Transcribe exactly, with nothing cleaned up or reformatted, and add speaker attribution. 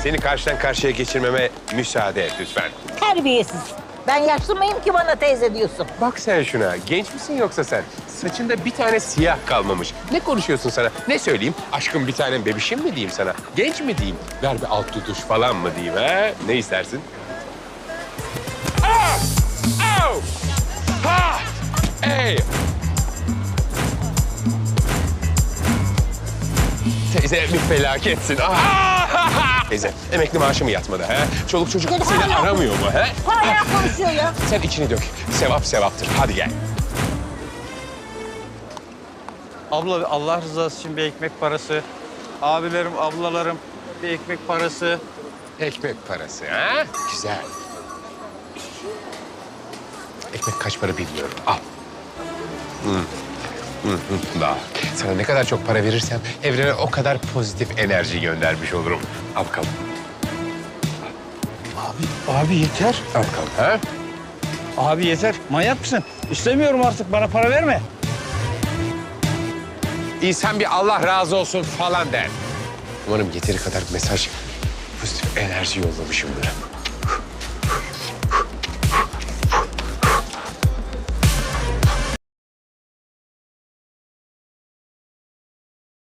Speaker 1: Seni karşıdan karşıya geçirmeme müsaade et lütfen.
Speaker 2: Terbiyesiz. Ben yaşlı mıyım ki bana teyze diyorsun?
Speaker 1: Bak sen şuna. Genç misin yoksa sen? Saçında bir tane siyah kalmamış. Ne konuşuyorsun sana? Ne söyleyeyim? Aşkım bir tanem bebişim mi diyeyim sana? Genç mi diyeyim? Ver bir alt tutuş falan mı diyeyim ha? Ne istersin? Ah! Au! Ha! Ey! Teyze bir felaketsin. Ah! Teyze emekli maaşı mı yatmadı ha? Çoluk çocuk
Speaker 2: Seni
Speaker 1: seni
Speaker 2: hala-
Speaker 1: aramıyor mu ha?
Speaker 2: Hala konuşuyor ya.
Speaker 1: Sen içini dök. Sevap sevaptır. Hadi gel.
Speaker 3: Abla Allah rızası için bir ekmek parası. Abilerim, ablalarım bir ekmek parası.
Speaker 1: Ekmek parası ha? Güzel. Ekmek kaç para bilmiyorum. Al. Hı. Hı, hı. Daha. Sana ne kadar çok para verirsem evrene o kadar pozitif enerji göndermiş olurum. Al bakalım.
Speaker 3: Abi, abi yeter.
Speaker 1: Al bakalım ha?
Speaker 3: Abi yeter. Manyak mısın? İstemiyorum artık. Bana para verme.
Speaker 1: İnsan bir Allah razı olsun falan der. Umarım yeteri kadar mesaj, pozitif enerji yollamışımdır.